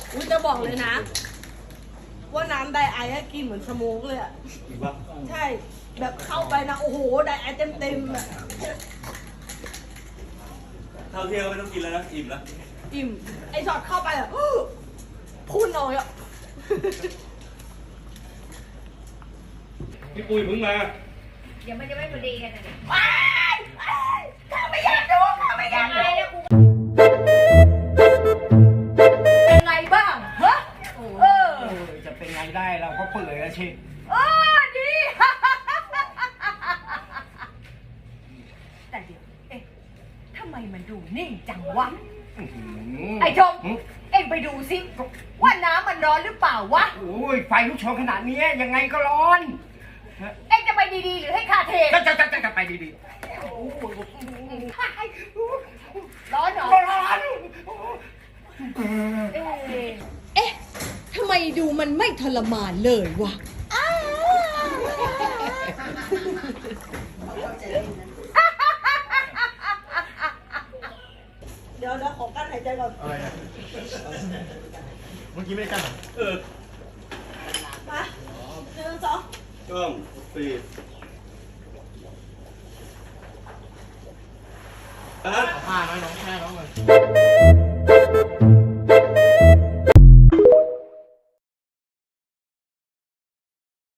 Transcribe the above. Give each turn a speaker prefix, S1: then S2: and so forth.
S1: อุ้ยจะบอกเลยนะ ว่าน้ำไดไอซ์กินเหมือนสโมกเลยอะใช่ แบบเข้าไปนะ โอ้โห ไดไอซ์เต็มๆอะ
S2: เท่าเที่ยวไม่ต้องกินแล้วนะอิ่มแล้ว
S1: อิ่ม ไอช็อตเข้าไปอะพุ่นออกอะ
S2: พี่ปุ้ยเพิ่งมา
S3: เดี๋ยวมันจะไม่พอดีกันนะเนี่ย
S1: ว้ายข้าไม่อยากดูข้าไม่อยากดูเป็นไงบ้างฮะ
S4: จะเป็นไงได้เราก็เปื่อยแล้วชิ
S1: ดี
S3: แต่เดี๋ยวเอ๊ะทำไมมันดูนิ่งจังวะ
S1: ไอชม เอ็งไปดูสิว่าน้ำมันร้อนหรือเปล่าวะ
S4: โอ้ยไฟลุกโชนขนาดนี้ยังไงก็ร้อน
S1: เอ็งจะไปดีๆหรือให้ข้าเท
S4: จะไปดี
S1: ร้อนเหรอ
S4: ๆร้อน
S5: เอ๊ะ ทำไมดูมันไม่ทรมานเลยวะ
S1: เดี๋ยวขอกั้นหายใจก่อน
S2: อะไรนะเมื่อกี้ไม่ได้กันเหรอ
S1: มาหนึ่งสอง
S2: กล้องสี่อ่ะ
S6: ผ้าน้องแค่น้องเลย